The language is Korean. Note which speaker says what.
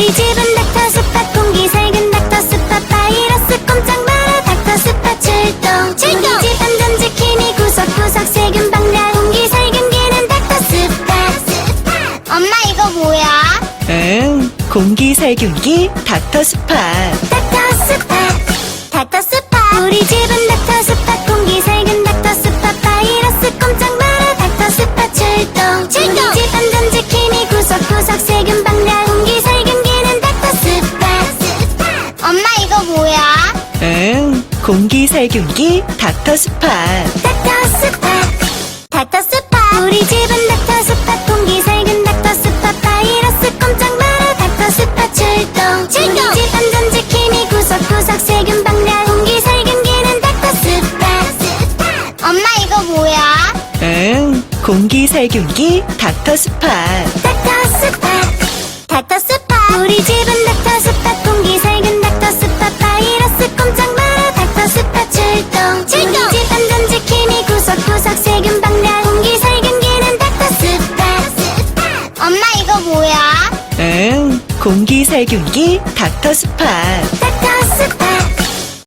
Speaker 1: 우리 집은 닥터 스팟 공기 살균 닥터 스팟 바이러스 꼼짝 마라 닥터 스팟 출동 우리 집 안전 지킴이 구석구석 세균 방라 공기 살균기는 닥터 스팟.
Speaker 2: 엄마 이거 뭐야?
Speaker 3: 응, 공기 살균기 닥터 스팟.
Speaker 1: 닥터 스팟 닥터 스팟 우리 집은 닥터 스팟 공기 살균 닥터 스팟 바이러스 꼼짝 마라 닥터 스팟 출동 우리 집 안전 지킴이 구석구석 세균 방라 공기 살균기는 닥터 스팟.
Speaker 2: 엄마 이거 뭐야?
Speaker 3: 응, 공기 살균기 닥터 스팟.
Speaker 1: 닥터 스팟 닥터 스팟 우리 집은 닥터 스팟 공기 살균 닥터 스팟 바이러스 꼼짝 마라 닥터 스팟 출동 우리 집 안전 지킴이 구석구석 세균 방라 공기 살균기는 닥터 스팟.
Speaker 2: 엄마 이거 뭐야?
Speaker 3: 응, 공기 살균기 닥터 스팟.
Speaker 1: 닥터 스팟 닥터 스팟 우리 집은 닥터 스팟 공기 살균 닥터 스팟 바이러스 꼼짝 마라 닥터 스팟 출동 우리 집 안전 지킴이 구석구석 세균 방라 공기 살균기는 닥터 스팟.
Speaker 2: 엄마 이거 뭐야?
Speaker 3: 응, 공기 살균기 닥터 스팟.
Speaker 1: 닥터 스팟